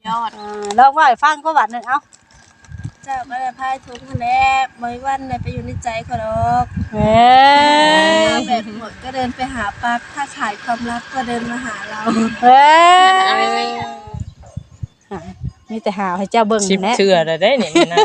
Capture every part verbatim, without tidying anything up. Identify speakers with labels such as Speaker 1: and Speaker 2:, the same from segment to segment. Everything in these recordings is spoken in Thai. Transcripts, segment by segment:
Speaker 1: ยอด
Speaker 2: อ่าลองว่าให้ฟังก็บัดหนึงเอ้า
Speaker 1: เจ้าก็ได้พายทุกคนแล้วบ่มีวันได้ไปอยู่ในใจเขาดอก
Speaker 2: เอ้ย
Speaker 1: แบบหมดก็เดินไปหาปักถ้าขายความรักก็เดินมาหาเรา
Speaker 2: เอ้ยมีแต่หาวให้เจ้าเบิ่ง
Speaker 3: ชิบ
Speaker 2: แหละ
Speaker 3: เชื่อได้นี่มันนั่ง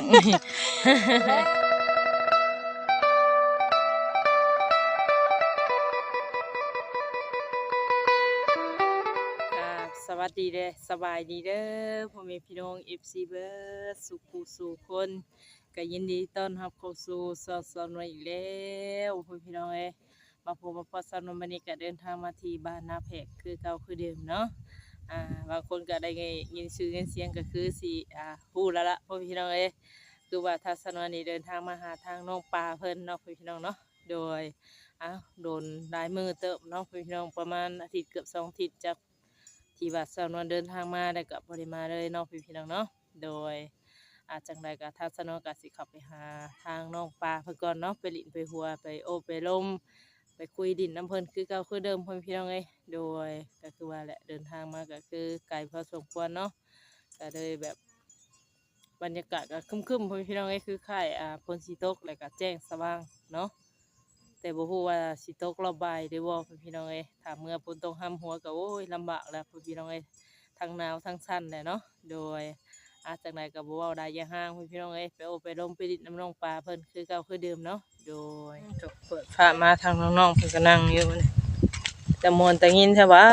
Speaker 3: สวัสดีเด้อสบายดีเด้อพ่อแม่พี่น้อง เอฟ ซี เบิร์ดสุขุสู่คนก็ยินดีต้อนรับเข้าสู่สอสอนอีกแล้วพ่อพี่น้องเอ้ยมาพบมาพอสอนวันนี้ก็เดินทางมาที่บ้านนาแพกคือเก่าคือเดิมเนาะอ่าบางคนก็ได้ยินชื่อเสียงก็คือสิอ่าฮู้แล้วล่ะพ่อพี่น้องเอ้ยคือว่าทัศนวันนี้เดินทางมาหาทางน้องปลาเพิ่นเนาะพ่อพี่น้องเนาะโดยอ้าวโดนหลายมือเติบเนาะพ่อพี่น้องประมาณอาทิตย์เกือบสองอาทิตย์จากที่ว่าสาวนวลเดินทางมาได้กับบริมาเลยเนาะพี่พี่น้องเนาะโดยอาจจังใดกับทัศนกสิขับไปหาทางน้องปลาเพื่อก่อนเนาะไปหลินไปหัวไปโอไปลมไปคุยดินน้ำเพลินคือเก่าคือเดิมพี่พี่น้องเอ้ยโดยก็คือว่าแหละเดินทางมาก็คือไกลพอสมควรเนาะก็เลยแบบบรรยากาศก็คึมๆพี่พี่น้องเอ้ยคือค่ายอ่าพลสีตกแล้วก็แจ้งสว่างเนาะแต่บ่ฮู้ว่าสิตกรอบบ่ายหรือบ่พี่น้องเอ้ยถ้าเมื่อฝนตกห้ำหัวก็โอ้ยลำบากแล้วพี่น้องเอ้ยทั้งหนาวทั้งสั่นแหละเนาะโดยอาจากไหนก็บ่เว้าได้อย่าห่างพี่น้องเอ้ยไปโอไปลมไปดิดน้ำน้องปลาเพิ่นคือเก่าคือเดิมเนาะโดยก็เปิดผ้ามาทางน้องๆเพิ่นก็นั่งอยู่นี่แต่มวนแต่ยินแท้ว่า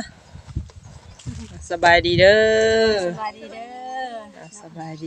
Speaker 3: สบายดีเด้อ
Speaker 2: สบายดีเด้อ
Speaker 3: สบายดี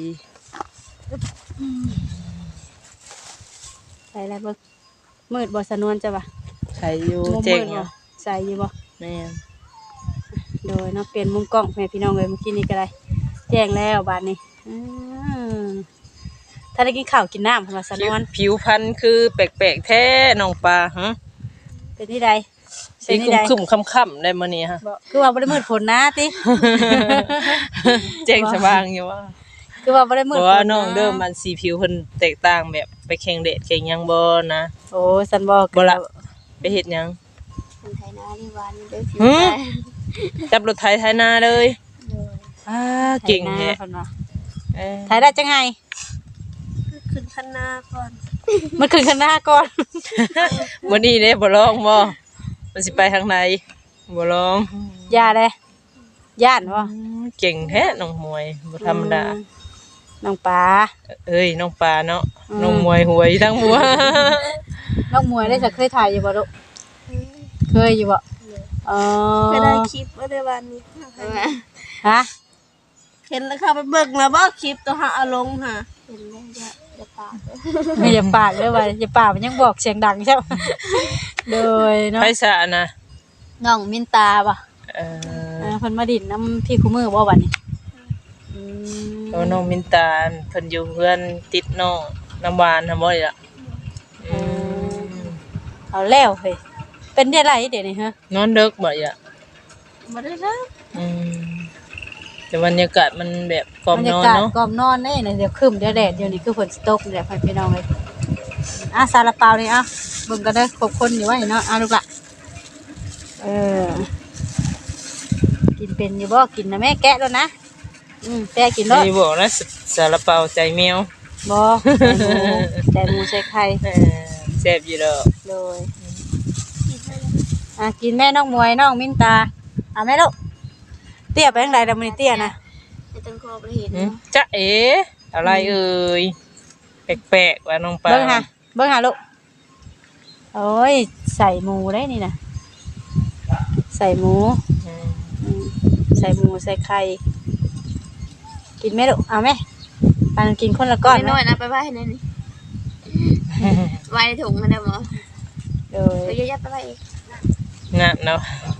Speaker 2: ใส่อะไรเบิ่งมืดบ่สนวนจ้ะบ่ะ
Speaker 3: ใส่อยู่
Speaker 2: มุม
Speaker 3: เจ๋
Speaker 2: มื
Speaker 3: ง
Speaker 2: ด
Speaker 3: อยู่
Speaker 2: บ่ใส่อยู่บ่
Speaker 3: แม่น
Speaker 2: โดยเนาะเปลี่ยนมุมกล้องแม่พี่น้องเลยเมื่อกี้นี้ก็ได้แจ้งแล้วบาดนี้อืมถ้าได้กินข้าวกินน้ำเพิ่นว่าสนวน
Speaker 3: ผิวพรรณคือแปลกๆแท้น้องปลาฮะ
Speaker 2: เป็นที่ใด
Speaker 3: สี
Speaker 2: เป็นที่ใด
Speaker 3: คุ้มๆค่ำๆได้มื้อนี้ฮะ
Speaker 2: บ่คือว่าบ่ได้มืดฝนนะติ
Speaker 3: แจ้งสว่างอยู่ว่า
Speaker 2: คือว่าบ่ได้มื
Speaker 3: เพ
Speaker 2: ด
Speaker 3: ราะ
Speaker 2: ฝ
Speaker 3: ว่าน น้อง
Speaker 2: นะ
Speaker 3: เดิมมันสีผิวเพิ่นแตกต่างแบบไปแข่งเดทแข่งหยังบ่นะ
Speaker 2: โอ้สันบอก
Speaker 3: บ่ละไปเฮ็ดหยัง
Speaker 1: คนไทยนาที่วันนี้ได้ผิว
Speaker 3: หือ
Speaker 1: แดง
Speaker 3: จับรถไถไถนาเลย
Speaker 1: เลย
Speaker 3: อ้าเก่ง
Speaker 2: แท้
Speaker 3: แท้
Speaker 2: เพิ่นว่า
Speaker 3: เอ้ย
Speaker 2: ถ่ายได้จังไง
Speaker 1: ขึ้นข้างหน้าก่อน
Speaker 2: มันขึ้นข้างหน้าก่อน
Speaker 3: มื้อนี้เด้บ่ลองบ่มันสิไปทางไหนบ่ลอง
Speaker 2: ย่าเลยย่านบ่
Speaker 3: เก่งแท้น้องมวยบ่ธรรมดา
Speaker 2: อืมน้องปลา
Speaker 3: เอ้ยน้องปลาเนาะ
Speaker 2: อืม
Speaker 3: น้องมวยหวยทั้งหัว
Speaker 2: น้องมวยได้จะเคยถ่ายอยู่บ่ลูกเคยอยู่บ่อ๋อ
Speaker 1: ก็ได้คลิปว่าได้วันนี้
Speaker 2: ฮะ
Speaker 1: เห็นแล้วค่ะไปเบิกแล้วบ่คลิปตัวหาอารมณ์ค่ะเห็นแล้วจะจะปาก
Speaker 2: ไม่อย่าปากเลยว่าอย่าปากมันยังบอกเสียงดังใช่ไหมโดยเนาะ
Speaker 3: ไผซะนะ
Speaker 2: น้องมินตาป่ะ
Speaker 3: เออ
Speaker 2: เออเพิ่นมาดินน้ำพี่คู่มือบ่บัดนี้อืม
Speaker 3: แล้วน้องมินตาลเพิ่นอยู่เพื่อนติดน้องน้ำหวานทำบ่ได้ล่ะอืม
Speaker 2: เอาแล้วเฮ้ยเป็นได้ไรเดี๋ยวนี้ฮะ
Speaker 3: นอนดึกบ่ล่ะ
Speaker 1: บ่ได้แล้ว
Speaker 3: อืมแต่บรรยากาศมันแบบกล่อม
Speaker 2: บรร
Speaker 3: น
Speaker 2: ยา
Speaker 3: อน
Speaker 2: กาศ
Speaker 3: เนาะ
Speaker 2: กล่อมนอนนี่นะเดี๋ยวครึ้มเดี๋ยวแดดเดี๋ยวนี้คือฝนสิตกนี่แหละพี่น้องเอ้ยอ่ะซาลาเปานี่อ่ะเบิ่งกันเด้อครบคนอยู่ว่านี่เนาะอ่ะลูกละเออกินเป็นอยู่บ่กินนะแม่แกะแล้วนะอืมแกะกินแล้ว
Speaker 3: นี่บอกนะสซาลาเปาใจแมว
Speaker 2: บ่ใส่หมูใส่ไข่
Speaker 3: เออแซ่บอยู่ดอก
Speaker 2: โดยอ่ะกินแม่น้องมวยน้องมินตาอ่ะแม่ลูกเตี้ยไปทางใดล่ะมื้อนี้เตี้ยนะ
Speaker 1: จะต้องคอไปเห็น
Speaker 3: หึจ๊ะเอ๋อะไรเอ่ยแปลกๆว่าน้องปลา
Speaker 2: เบิ่งหาเบิ่งหาลูกโอ้ยใส่หมูได้นี่นะใส่หมู
Speaker 3: อืม
Speaker 2: อืมใส่หมูใส่ไข่กินไหมลูกเอาไหมปานกินคนละก้อนไหม
Speaker 1: น้อยนะไปไว้ในนี่ไว้ในถุงมันได้บ่
Speaker 2: โดย
Speaker 1: ไปยัดไปไว้อีก
Speaker 3: งานเนาะ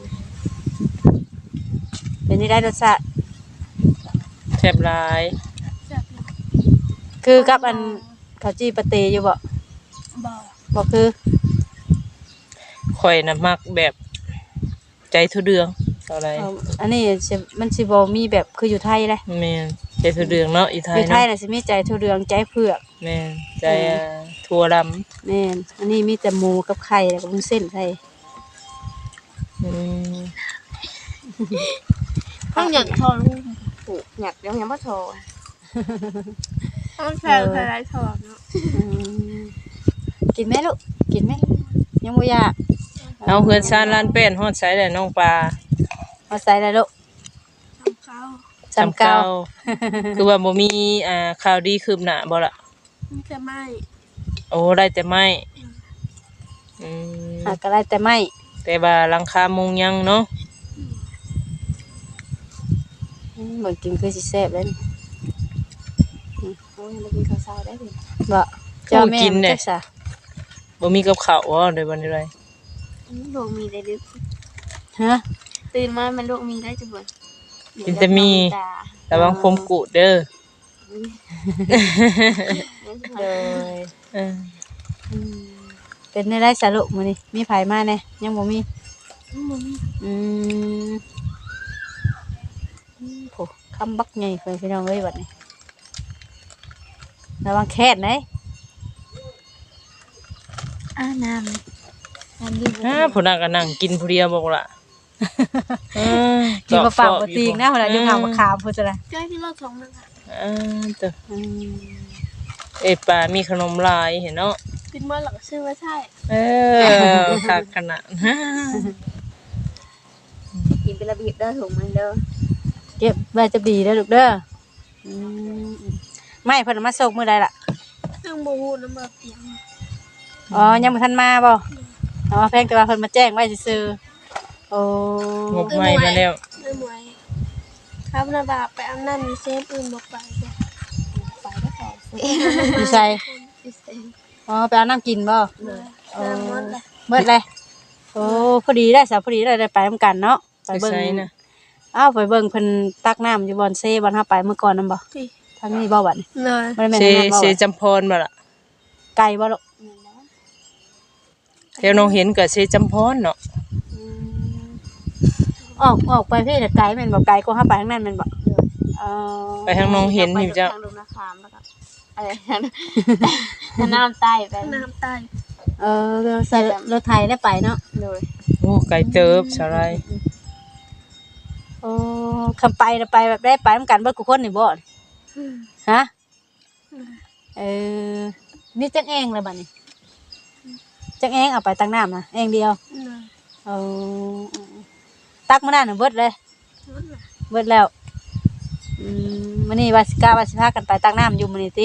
Speaker 2: เป็นนี่ได้รสชาติ
Speaker 3: แซ่บหลาย
Speaker 2: คือกับอันข้าวจีปะเตอยู่บ่
Speaker 1: บ่
Speaker 2: บ่คือ
Speaker 3: ข่อยน่ะมักแบบใจทุเดืองเอาอะไร
Speaker 2: เอาอันนี้สิมันสิบ่มีแบบคืออยู่ไทยเลย
Speaker 3: แม่นใจทุเดืองเนาะอีไท
Speaker 2: อย ยู่ไทย
Speaker 3: เนาะ
Speaker 2: น่ะสิมีใจทุเรืองใจเผือก
Speaker 3: แม่นใจอ่าถั่วดำ
Speaker 2: แม่นอันนี้มีแต่หมูกับไข่แล้วก็วุ้นเส้นใส่
Speaker 3: อืม
Speaker 1: ต้องหยัดทองผูกหยักยังยังบ่โทรต้องแพงใครไรถอดเนาะ
Speaker 2: อืมกินไหมลูกกินไหมยังบ่อยาก
Speaker 3: เอาเฮือนซานลานเป็นฮอดใช้ได้น้องปลา
Speaker 2: เอาใส่เลยลูก
Speaker 1: ทำข้าว
Speaker 2: จำเก่า
Speaker 3: คือว่าบ่มีอ่าข่าวดีคืบหน้าบ่ล่ะ
Speaker 1: มันจะไหม้
Speaker 3: โอ้ได้แต่ไม้อืม
Speaker 2: หากก็ได้แต่ไม่
Speaker 3: แต่ว่าหลังคามุงยังเนาะ
Speaker 2: อืมเหมือนกินคือสิแซ่บเลยนี่
Speaker 1: โอ้ยมากินข้าวเช้าได้ดิ
Speaker 2: บ่เจ้าแม่มันจักซะ
Speaker 3: บ่มีกับข้าวบ่ได้บ่ได้ไร
Speaker 1: ดวงมีได้ดึก
Speaker 2: ฮะ
Speaker 1: ตื่นมามันดวงมีได้จังบ่
Speaker 3: กินแต่มีระวังคมกุดเด้อ
Speaker 2: โดย
Speaker 3: เออ
Speaker 2: อืมเป็นได้ได้สรุปมื้อนี้มีไผมาแน่ยังบ่มี
Speaker 1: มันมี
Speaker 2: อืมอืมโหคำบักใหญ่เพิ่นพี่น้องเอ้ยบัดนี้ระวังแค้นเด้
Speaker 1: อ่าน้ำน้ำดื่ม
Speaker 3: ฮะผู้นั้นก็นั่งกินผู้เดียวบอกล่ะเออ
Speaker 2: กินมาฝากบ่ติงนะเวลาอยู่ห่างมาขามพุ่นจ้ะนะ
Speaker 1: ใกล้ที่เราสองนึงค่ะ
Speaker 3: เออเด้อ
Speaker 2: อืม
Speaker 3: เอ้ยป้ามีขนมลายเห็นเนาะ
Speaker 1: กินเมื่อหลังชื่อว่าใช่
Speaker 3: เออคักขนาด
Speaker 1: กินเป็นระเบียบเด้อถุงมันเด้อ
Speaker 2: เก็บไว้จะดีเด้อลูกเด้ออืมไม่เพิ่นเอามาส่งมื้อใดล่ะ
Speaker 1: ซึ่งบูฮูน้ำมาเตียง
Speaker 2: อ๋อยังบ่ทันมาบ่อ๋อแพงแต่ว่าเพิ่นมาแจ้งไว้ซื่อๆโอ้
Speaker 3: งบใหม่มาแล้ว
Speaker 1: ไม่หมวยครับนาบาไปเอาน้ำมีเซฟอื่นบอกไปจ้ะไปก็แค่เซฟ
Speaker 2: อยู่ไส
Speaker 1: มีเซฟ
Speaker 2: อ๋อไปเอาน้ำกินบ่
Speaker 1: เลยน้ำมันเลย
Speaker 2: เบิดเลยโอ้พอดีได้สาวพอดีได้ได้ไปนำกันเนาะไป
Speaker 3: ไป
Speaker 2: เบิ่ง
Speaker 3: ใช้นะ
Speaker 2: อ้าวไปเบิ่งเพิ่นตักน้ำอยู่บอนเซ่บอนเฮาไปเมื่อก่อนนำบ่
Speaker 1: ที่
Speaker 2: ทางนี้บ่บัดนี้
Speaker 1: เลย
Speaker 2: บ่ได้แม่น
Speaker 3: เซ
Speaker 2: ทางนั้นบ่
Speaker 3: เซ
Speaker 2: บัด
Speaker 3: จำพรบ่ล่ะ
Speaker 2: ไกลบ่ลูก
Speaker 3: แถวน้องเห็นก็เซจำพรเนาะ
Speaker 2: ออกออกไปพี่น่ะไกลแม่นบ่ไกลกว่าเฮาไปทางนั้นแม่นบ่เออ
Speaker 3: ไปทางน้องเห็นนี่จ้ะ
Speaker 1: ทางลงนาคามแล้วก็อะไรทางน้ำใต้ไปน้ำใต้
Speaker 2: เออใส่รถไถได้ไปเนาะ
Speaker 1: เลย
Speaker 3: โอ้ไก่เติบสาไร
Speaker 2: โอ้คำไปน่ะไปแบบได้ไปนำกันเบิดทุกคนนี่บ่ฮะเออนี่จังเองเลยบัดนี้จังเองเอาไปตักน้ำนะเองเดียว
Speaker 1: เลย
Speaker 2: เอาตักมาได้หนึ่งเบิดเลยเบิดแล้วอืมมันนี่วาสิกาวาสิพากันไปตักน้ำอยู่มันนี่ติ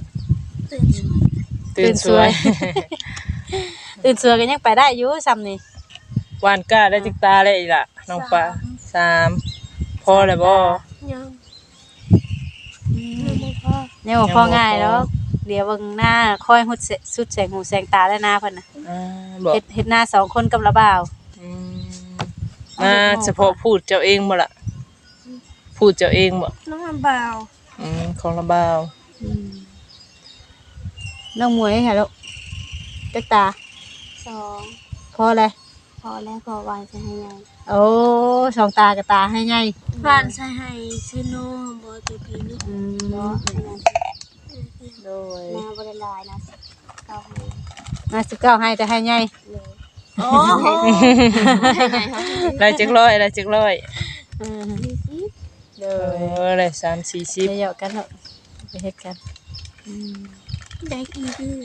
Speaker 1: ตื่นสวย
Speaker 3: ตื่นสวย
Speaker 2: ตื่นสวยกันยังไปได้อยู่ซ้ำนี่
Speaker 3: วานก้าได้จิกตาเลยอีล่ะน้องปลาสามพอเลยบ่
Speaker 1: ยังยังไม่พอ
Speaker 2: เนี่ยบ่พอง่ายแล้วเดี๋ยวเบิ่งหน้าคอยหุดเสสุดแสงหูแสงตาได้หน้าเพิ่นน่ะ
Speaker 3: อ่าบอก
Speaker 2: เฮ็ดเฮ็ดหน้าสองคนกับระบ่าว
Speaker 3: อืมมาเฉพาะพูดเจ้าเองบ่ล่ะพูดเจ้าเองบ่
Speaker 1: น้องอันเบา
Speaker 3: อืมของระบ่าว
Speaker 2: น้องมวยค่ะลูกจักตา
Speaker 1: สอง
Speaker 2: พอเลย
Speaker 1: พอแล้วพอวานใช้ให้ยัง
Speaker 2: โอ้สองตากับตาให้ใหญ่
Speaker 1: วานใช้ให้ซิโน่บอตัวพีนี่
Speaker 2: อืม
Speaker 1: บอ
Speaker 2: โดย
Speaker 1: นาบริลายนะเก้าให้
Speaker 2: มาสิบเก้าให้แต่ให้ใหญ่
Speaker 1: เลยโอ้โห
Speaker 3: ได้จักร้อยได้จักร้อย
Speaker 2: อืม
Speaker 1: มีสิ
Speaker 2: โด
Speaker 3: เอย อได้สามสี่สิบ
Speaker 2: เดี๋ยวกันเถอะไปเฮ็ดกันอืม
Speaker 1: ได้กี่ดื้อ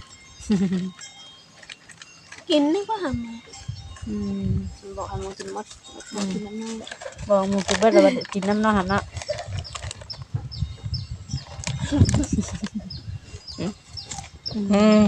Speaker 1: กินนี่ก็ทำไง
Speaker 2: อืม
Speaker 1: บอกให้มึงกินมดมึงกินน้ำน้อย
Speaker 2: บอกหมูกินเบิดแล้วบัดกินน้ำน้องหันเนาะ
Speaker 3: อืม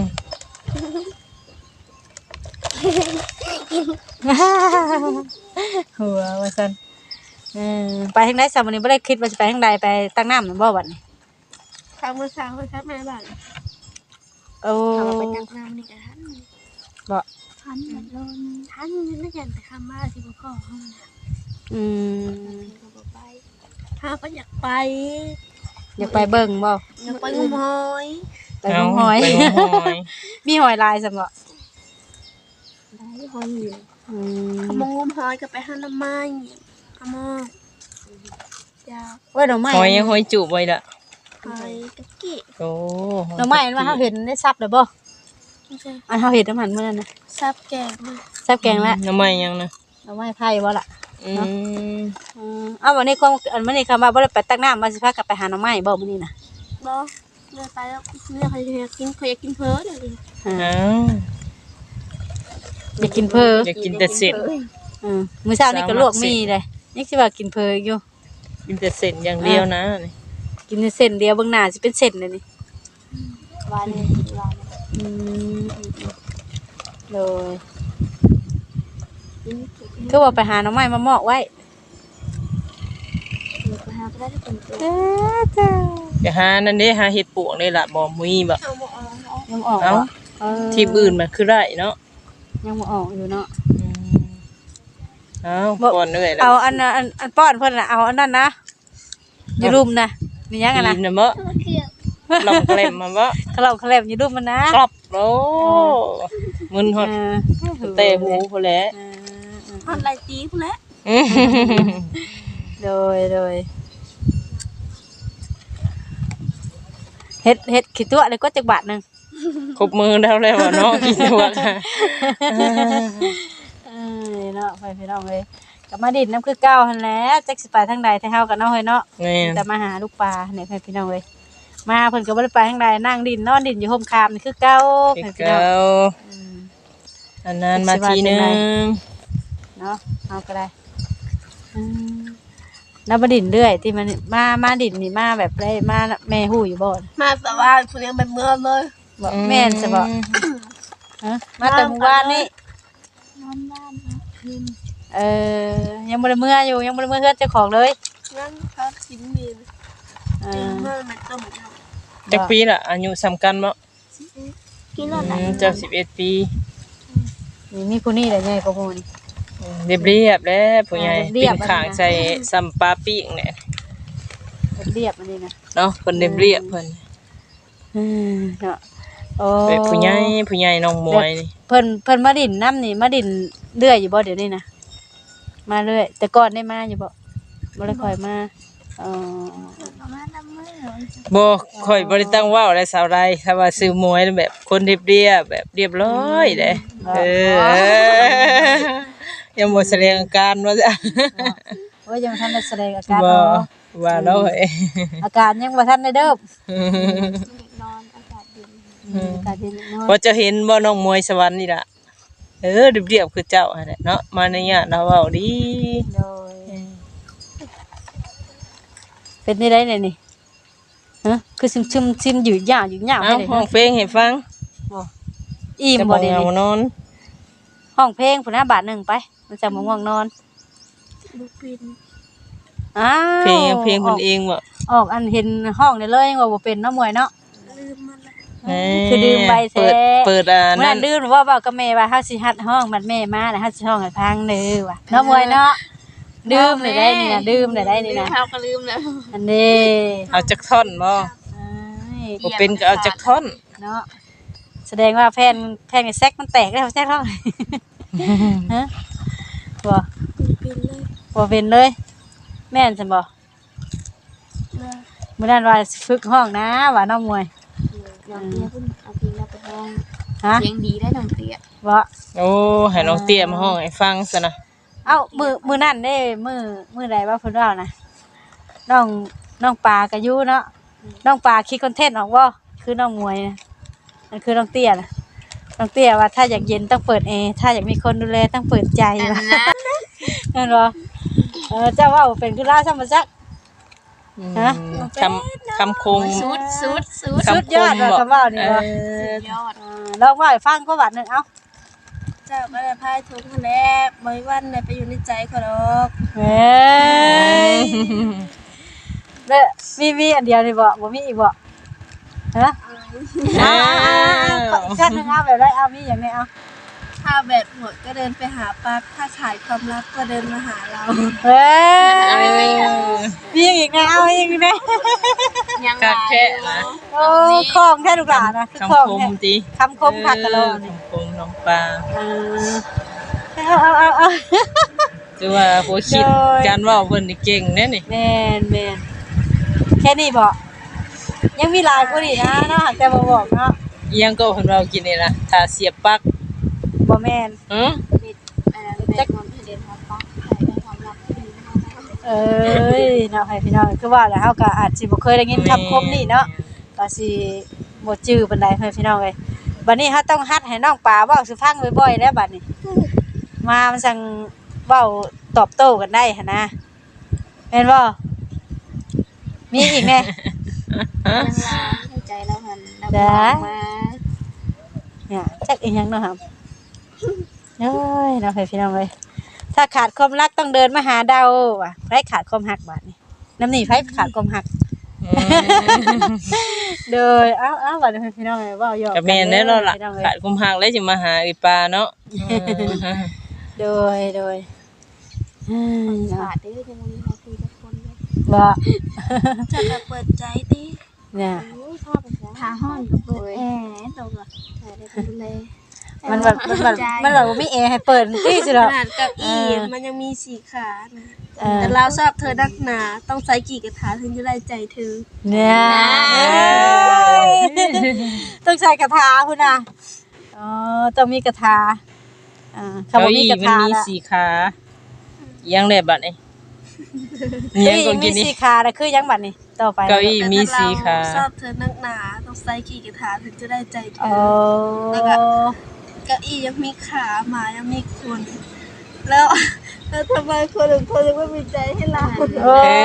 Speaker 2: หัวว่าซั่นเออไปทางใดซะมื้อนี้บ่ได้คิดว่าสิไปทางใดไปตั้งน้ำนั่นบ่บัดนี้
Speaker 1: ข้าวมือเช้าไปครับแม่บ้าน
Speaker 2: โอ้
Speaker 1: ข้าวไปตักน้ำนี่กันทัน
Speaker 2: บ่
Speaker 1: ทันแบบโดนทันนี่กันแต่ข้ามมาที่พ่อเขาเนี่ย
Speaker 2: อืม
Speaker 1: ก็บอกไปถ้าก็อยากไป
Speaker 2: อยากไปเบิ่งบ่
Speaker 1: อยากไปงมหอย
Speaker 2: ไปงมหอย
Speaker 3: ไปงมหอย
Speaker 2: มีหอยลายซั่นบ่
Speaker 1: ได้หอยอยู่
Speaker 2: อืม
Speaker 1: ขมงงมหอยก็ไปหาน้ำไม้ขมงอยาก
Speaker 2: โอ้ยดอกไม้
Speaker 3: หอยยังหอยจุบไว้ล่ะ
Speaker 1: หอยตะกี้
Speaker 3: โอ้
Speaker 2: ดอกไม้อันว่าเฮาเห็นได้ซับแล้วบ่
Speaker 1: ไม่ใช่
Speaker 2: อันเฮาเห็นน้ำหันมื้อนั้นน่ะ
Speaker 1: ซับแกงมา
Speaker 2: ซับแกงแล้ว
Speaker 3: น้ำไม้ยังนะ
Speaker 2: ดอกไม้ไผ่บ่ล่ะ
Speaker 3: อืม
Speaker 2: อืมเอาวันนี้ความอันมื้อนี้คำว่าบ่ได้ไปตักน้ำมาสิพากลับไปหาหน่อไม้บ่มื้อนี้น่ะ
Speaker 1: บ่เดินไปแล้วเนี่ยใครอยากกินใครอยากกินเพ้อเลยดิ
Speaker 2: อ่า
Speaker 3: อ้าว
Speaker 2: อยากกินเพ้อ
Speaker 3: อยากกินแต่เส้น
Speaker 2: อืมมื้อเช้านี่ก็ลวกมีเลยยังสิว่ากินเพ้ออยู่
Speaker 3: กินแต่เส้นอย่างเดียวนะนี่
Speaker 2: กินแต่เส้นเดียวเบิ่งหน้าสิเป็นเส้นเลยนี่
Speaker 1: หวานเลยหวาน
Speaker 2: อืมโดยคือว่าไปหาหน่อไม้มาหมอกไว้
Speaker 1: ไปหาก็ได้ทุกคนตัว
Speaker 2: เอ้อจ้า
Speaker 3: จะหานั่นเด้หาเห็ดปวกนี่ล่ะบ่มีบ่
Speaker 1: เอาหมดเอาเอา
Speaker 2: ยังออก
Speaker 3: เอ้า
Speaker 2: บ่เออ
Speaker 3: ที่อื่นมันคือได้เนาะ
Speaker 2: ยังบ่ออกอยู่เนาะ
Speaker 3: อืมเอ้าก่อนเอ้ยแล้ว
Speaker 2: เอาอันน่ะอันอันป้อนเพิ่นน่ะเอาอันนั้นนะอยู่รุมนะมีหยังกันนะ
Speaker 3: กินน่ะบ่
Speaker 1: เคี่ยว
Speaker 3: ลองแกล้มมาบ่
Speaker 2: ขะเหล่าขะแลบอยู่รุมมันนะ
Speaker 3: กรอบโอ้มึนฮอด
Speaker 2: เออ
Speaker 3: เตะหูพุ่นแหละ
Speaker 2: เออเออ
Speaker 1: ทอดไรตีพุ่นแหละ
Speaker 3: อืม
Speaker 2: โดยโดยเฮ็ดเฮ็ดขี้ตัวเลยก็จักบาทหนึง
Speaker 3: ครบมือแล้วแล้วเนาะกินตัวค่ะ
Speaker 2: เออเนาะไปพี่น้องเอ้ยกลับมาดินน้ำคือเก่าหั่นแหละจักสิไปทางใดทางเฮากันเนาะเฮ้ยเนาะ
Speaker 3: นี่
Speaker 2: จะมาหาลูกปลาเนี่ยไปพี่น้องเอ้ยมาเพิ่นก็บ่ได้ไปทางใดนั่งดินนอนดินอยู่ห่มคามนี่คือเก่า
Speaker 3: คือ
Speaker 2: ไปพี่น้อ
Speaker 3: เก่าง
Speaker 2: อืม
Speaker 3: อันนั้นมาทีนึง
Speaker 2: เนาะเอาก็ได้อืมแล้วมาดินเรื่อยที่มันมามาดินนี่มาแบบได้มาแม่ฮู้อยู่บ่
Speaker 1: มาแต่ว่าพุ่นยังเป็นเมื่อเลย
Speaker 2: บ่แม่นจะบ่ฮะมาแต่หมู่บ้านนี่
Speaker 1: นอนบ้านนะคืน
Speaker 2: เออยังบ่ได้เมื่ออยู่ยังบ่ได้เมื่อเฮือนเจ้าของเลย
Speaker 1: งั้นเขากินมีน
Speaker 2: เอ
Speaker 1: กิน
Speaker 2: อ
Speaker 1: เมื่อมันต้มเนาะ
Speaker 3: จักปีล่ะอายุสำคัญบ่
Speaker 1: กินแล้วไหน
Speaker 3: อืมเจ้าสิบเอ็ดปี
Speaker 2: นี่มีผู้นี้แหละใหญ่กว่าหมู่นี่
Speaker 3: เรียบเรียบๆแล้วผู้ใหญ่
Speaker 2: เรี
Speaker 3: ปิ้
Speaker 2: ย
Speaker 3: ง
Speaker 2: บๆ
Speaker 3: ข้าง
Speaker 2: อันนี้นะ
Speaker 3: ใส่ซัมปาปิ้งเนี่ย
Speaker 2: เรียบอันนี้นะ
Speaker 3: เนาะเพิ่นเรียบเรียบๆเพิ่น
Speaker 2: อืมเนาะโอ้
Speaker 3: เป็นผู้ใหญ่ผู้ใหญ่น้องมวยนี่
Speaker 2: เพิ่นเพิ่นมาดินน้ำนี่มาดินเรื่อยอยู่บ่เดี๋ยวนี้นะมาเรื่อยแต่ก่อนได้มาอยู่บ่บ่ได้ค่อยมาอ๋อ
Speaker 1: ประมาณนั้นเมื่อ
Speaker 3: บ่ค่อยบ่ได้ตั้งเว้าอะไรสาวใดถ้าว่าซื้อมวยแบบคนเรียบเรียบๆแบบเรียบร้อยเด้เออยังบ่แสดงอาการว่าจ้ะ
Speaker 2: โอ้ยยังบ่ทันได้แสดงอาการ
Speaker 3: บ่
Speaker 2: เนาะ
Speaker 3: ว่าเนาะเอ้ย
Speaker 2: อาการยังบ่ทันได้เด้อน
Speaker 1: อนอากาศเย็น
Speaker 2: อืมอาการเย็นน้อย
Speaker 3: บ่จะเห็นบ่น้องมวยสวรรค์นี่ล่ะเออเรียบเรียบๆคือเจ้าหั่นแหละเนาะมาในญาติเราเว้าดี
Speaker 2: โดยเป็นได้ได้เนี่ยนี่ฮะคือซึมซึมซึมอยู่ยาวอยู่ยาว
Speaker 3: เอ้า
Speaker 2: ให้เลย
Speaker 3: ห้องเพลงให้ฟัง
Speaker 2: บ่อิ่ม
Speaker 3: จะ
Speaker 2: บ่
Speaker 3: บ่
Speaker 2: เดี๋ยว
Speaker 3: เหงา
Speaker 2: นี้
Speaker 3: นอน
Speaker 2: ห้องเพลงพุ่นน่ะบาทหนึงไป มันจะมาง่วงนอน
Speaker 1: บุปิน
Speaker 2: อ้าว
Speaker 3: เพลงเพลงเพิ่นเองบ่
Speaker 2: ออกอันเห็นห้องได้เลยว่าบ่เป็นเนาะมวยเนาะ
Speaker 1: ลืมมันละ
Speaker 3: เอ้ย
Speaker 2: คือดื่มใบแท้
Speaker 3: เปิดเปิดอ่า
Speaker 2: เมื่อ
Speaker 3: นั่
Speaker 2: นั้น นดื่มว่าเว้ากับแม่ว่าเฮาสิฮัดห้องบัดแม่มาแล้วเฮาสิห้องให้พังเด้อว่ะเนาะมวยเนาะดื่มได้ได้นี่นะดื่มได้ได้นี่นะ
Speaker 1: เขาก็ลืมแล้ว
Speaker 2: อันนี้
Speaker 3: เอาจักท่อนบ่
Speaker 2: อ้าย
Speaker 3: บ่เป็นก็เอาจักท่อน
Speaker 2: เนาะแสดงว่าแผ่นแผ่นไอ้แซกมันแตกแล้วแซกเท่าไหร่ฮะบ่
Speaker 1: บุปินเลย
Speaker 2: บ่เป็นเลย แม่นซั่นบ่
Speaker 1: เลย
Speaker 2: มื้อนั้นว่าสิฝึกห้องนะว่าน้องมวย
Speaker 1: น้องเตี้ยพุ่นเอาเพลงเราไปห้อง
Speaker 2: ฮะ
Speaker 1: เสียงดีได้น้องเตี้ย
Speaker 2: บ่
Speaker 3: โอ้ให้น้องเตี้ยมาห้องให้ฟังซะนะ
Speaker 2: เอ้ามื้อมื้อนั้นเด้มื้อมื้อใดว่าเพิ่นเว้านะน้องน้องปลาก็อยู่เนาะน้องปลาคิดคอนเทนต์ออกบ่คือน้องมวยนะนั่นคือน้องเตี้ยน่ะน้องเตี้ยว่าถ้าอยากเย็นต้องเปิดแอร์ถ้าอยากมีคนดูแลต้องเปิดใจ
Speaker 1: อัน
Speaker 2: ว่า
Speaker 1: นั้น
Speaker 2: นั่นบ่เออเจ้าเว้าเป็นคือลาวซ้ํบ่จัก ฮะ
Speaker 3: คำคำคง
Speaker 1: สุดสุดสุด
Speaker 2: สุดยอดว่ะคำว่านี่
Speaker 3: เอ
Speaker 2: ว่ะ
Speaker 3: อย
Speaker 1: อด
Speaker 2: อ่าลองว่าให้ฟังก็บาดหนึงเอ้า
Speaker 1: เจ้าก็ได้พายทุกคนแล้บริวันได้ไปอยู่ในใจเขาดอก
Speaker 2: เฮ้ยเด้อมีมีอันเดียวนี่บ่บ่มีอีกบ่ฮะเอาเอาเอาอีกชั้นหนึงเอาแบบได้เอามีอย่างนี้เอา
Speaker 1: ถ้าแบตหมดก็เดินไปหาปลั๊กถ้าขายความลับก็เดินมาหาเรา
Speaker 2: เฮ้ยมีอีกนะเอาอีกนะ
Speaker 1: ยัง
Speaker 3: กะแค่นะ
Speaker 2: โอ้ของแท้ลูกหลานนะคือของ
Speaker 3: คำคม
Speaker 2: แท้
Speaker 3: ติ
Speaker 2: คำคมคักกะโล
Speaker 3: เออ
Speaker 2: นี่
Speaker 3: คำคมน้องปลา
Speaker 2: เอาเอาเอาเอา
Speaker 3: ถือว่าผู้คิด
Speaker 2: โดย
Speaker 3: การเว้าเพิ่นนี่เก่งแน่นี่
Speaker 2: แมนแมนแค่นี้บอกยังมีหลายคนอีกนะเนาะหากแต่บ่บอกเนาะ
Speaker 3: อีหยังก็เพิ่นเว้ากินนี่ล่ะถ้าเสียบปลั๊ก
Speaker 2: บ่แมน
Speaker 3: หือ
Speaker 1: เอ่อแบตความเดินมาปลั๊กขายความลับ
Speaker 2: เอ้ยเนาะให้พี่น้องคือว่าแล้วเฮาก็อาจสิบ่เคยได้ยินคำคมนี้เนาะก็สิบ่จื้อปานใดให้พี่น้องเอ้ยบัดนี้เฮาต้องฮัดให้น้องปลาเว้าสู่ฟังบ่อยๆแล้วบัดนี้มามันสั่งเว้าตอบโต้กันได้หั่นนะแม่นบ่มีอีกแน่
Speaker 1: ยังลาให้ใจเราหันเรา
Speaker 2: จ้า
Speaker 1: มา
Speaker 2: เนี่ยจักอีหยังเนาะครับเอ้ยเนาะให้พี่น้องเอ้ยถ้าขาดความรักต้องเดินมาหาเดาว่ะไผขาดความรักบัดนี้น้ำนี่ไผขาดความรัก โดยเอ้าเอ้าบัดนี้พี่น้องเอ้ยเว้าหยอก
Speaker 3: ก็แม่นแน่เนาะล่ะ
Speaker 2: พี่องเอ้ย
Speaker 3: ขาดกุมหักแล้วสิมาหาอีปลาเนาะ
Speaker 2: โดยโดยอืม
Speaker 1: ขาดเด้อยังมีใครคุยกับคนเลย
Speaker 2: บ่
Speaker 1: จะแบบเปิดใจดิ
Speaker 2: เนี่ย
Speaker 1: โอ้ยชอบไปซะทาห้อนกับเปิดแอร์ตรงอ่ะใช่ได้ไปดูแล
Speaker 2: มันแบบมันแบบมันแบบบ่มีแอร์ให้เปิดตี้สิ
Speaker 1: ข
Speaker 2: ดอก
Speaker 1: นาดเกับอี
Speaker 2: เออ
Speaker 1: มันยังมีสีขานะ
Speaker 2: เออ
Speaker 1: แต่เราชอบเธอนักหนาต้องใช้กี่กระถาถึงจะได้ใจเธอ
Speaker 2: เนี่ยเอ้ยต้องใช้กระทาพุ่นน่ะอ๋อต้องมีกระทาอ่าคำ
Speaker 3: เก้า
Speaker 2: ว่ามี
Speaker 3: อี้
Speaker 2: กระ
Speaker 3: มัน
Speaker 2: ทา
Speaker 3: มี
Speaker 2: ละ
Speaker 3: สี่ขายังได้บัดนี้
Speaker 2: เก้า
Speaker 3: ยัง
Speaker 2: อี้
Speaker 3: ก็
Speaker 2: มี
Speaker 3: กินนี่
Speaker 2: สีขาแล้วคือยังบัดนี้ต่อไป
Speaker 3: เก้าอี้มีสี่ขา
Speaker 1: แต่ถ้าเราชอบเธอนักหนาต้องใช้กี่กระถาถึงจะได้ใจเธ
Speaker 2: โอ้
Speaker 1: อ แล้วก็ เก้าอี้ยังมีขาหมายังมีคน แล้วแล้วทำไมคนอื่นเขายังไม่มีใจให้เรา
Speaker 2: โอ้
Speaker 3: เอ้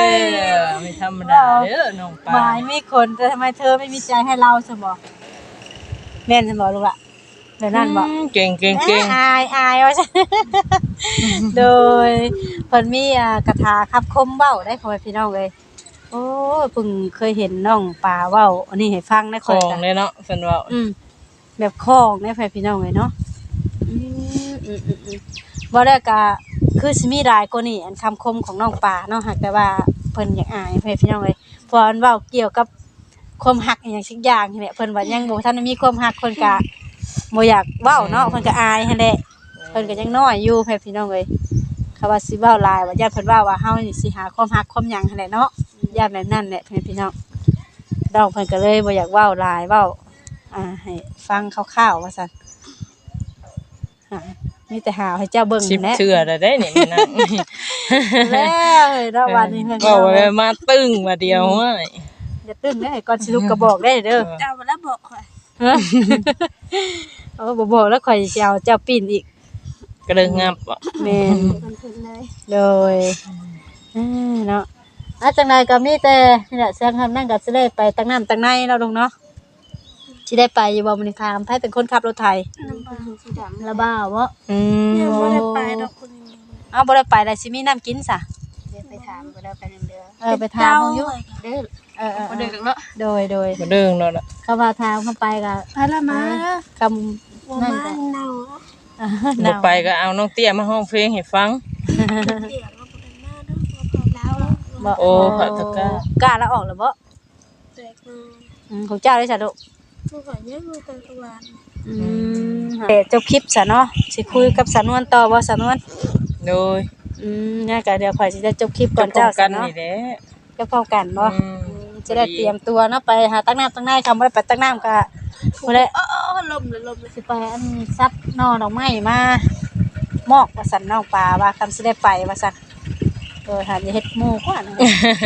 Speaker 2: ย
Speaker 3: ยไม่ธรรมดาเด้อน้องปลา
Speaker 2: หมายมีคนแต่ทำไมเธอไม่มีใจให้เราสมบแม่นสมบลูกละเดี๋ยวนั่นบอก
Speaker 3: อืมเก่งเก่งเก่ง
Speaker 2: อายอายว่าใช่ โดยเพิ่นมีอ่ากระทาคับคมเว้าได้พ่อแม่พี่น้องเลยโอ้ยเพิ่งเคยเห็นน้องปลาเว้าอันนี้ให้ฟังได้
Speaker 3: ข
Speaker 2: ค่อย
Speaker 3: อง
Speaker 2: จ้ะ
Speaker 3: เลยเนาะเพิ่นว่า
Speaker 2: อืมแบบคล้องได้พ่อแม่พี่น้องเลยเนาะอืมอืมอืมอืมบ่ได้ก็คือสิมีหลายกว่านี้อันคำคมของน้องปลาเนาะหากแต่ว่าเพิ่นอยากอายพ่อแม่พี่น้องเลยเพราะอันเว้าเกี่ยวกับความหักอหย่างสักอย่างนี่แหละเพิ่นว่ายังบ่ทันได้มีความหักเพิ่นก็บ่อยากเว้าเนาะเพิ่นก็อายหั่นแหละ เพิ่นก็ยังน้อยอยู่แพ่พี่น้องเอ้ยเขาว่าสิเว้าหลายว่าญาติเพิ่นว่าว่าเฮานี่สิหาความรักความหยังหั่นแหละเนาะญาติแบบนั้นแหละแพ่พี่น้องดอกเพิ่นก็เลยบ่อยากเว้าหลายเว้าอ่าให้ฟังคร่าวๆว่าซั่นอ่ามีแต่หาให้เจ้าเบิ่ง
Speaker 3: สิบ
Speaker 2: แหละ
Speaker 3: เทื่อแล้วได้เนี่ยมันนั่ง
Speaker 2: แล้วเฮ้ยเนาะวันนี้เพิ่น
Speaker 3: ว่าไว้มาตึ้งมาเดียวเว้ย
Speaker 2: อย่าตึ้งเด้อก่อนสิลุกก็บอกได้เด้อ
Speaker 1: เจ้ามาแล้วบอกค่ะ
Speaker 2: ฮะเออบ่บอกแล้วข่อยสิเอาเจ้าปีนอีก
Speaker 3: ก็เลยงับบ่
Speaker 2: แม่น
Speaker 1: มันเพิ่นเลย
Speaker 2: โดยอ่าเนาะอาจังใดก็มีแต่นี่แหละเสียงคำนั่งก็สิได้ไปตั้งน้ำตั้งในเนาะลุงเนาะสิได้ไปอยู่บ่มื้อนี้ถามไผเป็นคนขับรถไถ
Speaker 1: น้ำปลาสีดำ
Speaker 2: ละบ้าบ่อืม
Speaker 1: เนี่ยไม่ได้ไปดอกคนนี้
Speaker 2: เอาบ่ได้ไปแล้วสิมีน้ำกินซะ
Speaker 1: เดี๋ยวไปถามก็ได้ไปหนึ่งเดือน
Speaker 2: เออไปถามเพิ่นอยู่
Speaker 1: เด้อ
Speaker 2: เออ
Speaker 1: มาเดือ
Speaker 2: ๆ
Speaker 1: นเนาะ
Speaker 2: ๆโดยโดย
Speaker 3: บ่เด้งแล้วล่ะ
Speaker 2: เขาว่าถามเข้าไปก็
Speaker 1: ไปละมา
Speaker 2: คำ
Speaker 1: บ่
Speaker 2: นั่น
Speaker 1: มา
Speaker 2: ก็
Speaker 1: เน่า
Speaker 2: อ่า
Speaker 3: บ่
Speaker 2: เนา
Speaker 3: ไปก็เอาน้องเตี้ยมาห้องเพลงให้ฟัง
Speaker 1: เปียกแล้วบ่ได้มาเนาะพอแล้ว
Speaker 2: บ่
Speaker 3: โอ้พระตะกร้า
Speaker 2: กล้าแล้วออกแล้วบ่
Speaker 1: แตกมา
Speaker 2: อืมของเจ้าได้ซะลูก
Speaker 1: ผู้ก่อยเนี่ยมือเป็นตะวัน
Speaker 2: อืมเดี๋ยวจบคลิปซะเนาะสิคุยกับสานวนต่อบ่สานวน
Speaker 3: โดย
Speaker 2: อืมเนี่ยก็เดี๋ยวข่อยสิได้จบคลิปก่อนเจ้า
Speaker 3: กั
Speaker 2: ซะ
Speaker 3: น
Speaker 2: เนาะ
Speaker 3: นี่แหละ
Speaker 2: จะพร้อมกันบ่
Speaker 3: อืม
Speaker 2: จะได้เตรียมตัวเนาะไปหาตักน้ำตักในคำบ่ได้ไปตักน้ำก็บ่ได้
Speaker 1: เออเออลมเลยลมเลย
Speaker 2: สิไปอันซับหนอดอกไม้มามอกว่าซั่นน้องปลาว่าคำสิได้ไปว่าซั่นเออหาจะเฮ็ดหมู่กว่านะ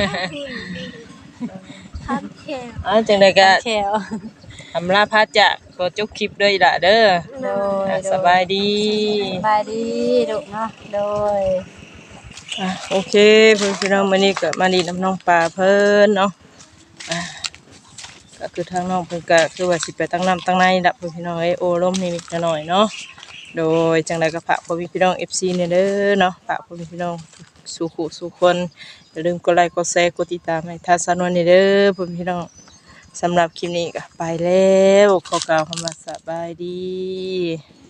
Speaker 1: ทันแค่
Speaker 3: อ่าจังได๋ก็
Speaker 2: แคว
Speaker 3: อำลาพาจะก็จบคลิปด้วยล่ะเด้อ
Speaker 2: โดย
Speaker 3: อ่ะสบายดี
Speaker 2: สบายดีลูกเนาะโดย
Speaker 3: อ่ะโอเคเพื่อนพี่น้องมื้อนี้ก็มาดีน้ำน้องปลาเพิ่นเนาะอ่ะก็คือทางน้องเพิ่นก็คือว่าสิไปตั้งน้ำตั้งในดับเพื่อนพี่น้องเอ้ยโอ้ลมนิดหน่อยเนาะโดยจังไดก็ฝากพ่อพี่น้อง เอฟ ซี เนี่ยเด้อเนาะฝากพ่อพี่น้องสู่คู่สู่คนอย่าลืมกดไลค์กดแชร์กดติดตามให้ทางสานวนนี่เด้อพ่อพี่น้องสำหรับคลิปนี้ก็ไปแล้วขอกล่าวคำว่าสบายดี